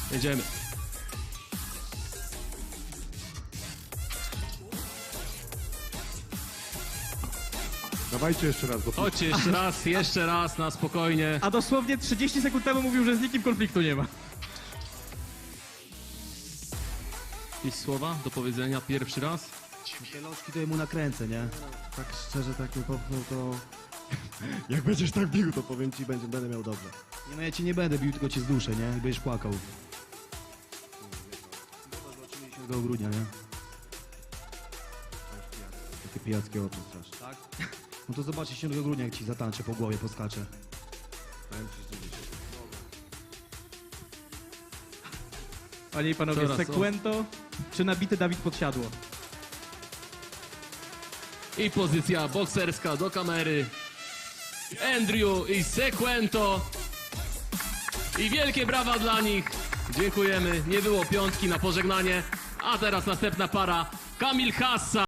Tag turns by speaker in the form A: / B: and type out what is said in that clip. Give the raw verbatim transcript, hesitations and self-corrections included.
A: Jedziemy.
B: Dawajcie jeszcze raz, bo
A: Chodźcie jeszcze raz, jeszcze raz, na spokojnie.
C: A dosłownie trzydzieści sekund temu mówił, że z nikim konfliktu nie ma.
A: Jakieś słowa do powiedzenia pierwszy raz?
D: Te lożki to jemu nakręcę, nie? Tak szczerze, tak po prostu to...
B: jak będziesz tak bił, to powiem ci, będzie, będę miał dobrze.
D: Nie no, ja ci nie będę bił, tylko cię zduszę, nie? I będziesz płakał. Zobaczymy dziesiątego grudnia, nie? Takie pijackie oczy straszne. Tak? No to zobaczysz dziesiątego grudnia, jak ci zatańczę po głowie, poskaczę.
B: Powiem ci, że dzisiaj.
C: Panie i panowie,
A: Coraz, o.
C: Sekwento czy nabity Dawid Podsiadło?
A: I pozycja bokserska do kamery. Andrew i Sekwento. I wielkie brawa dla nich. Dziękujemy. Nie było piątki na pożegnanie. A teraz następna para. Kamil Hassa.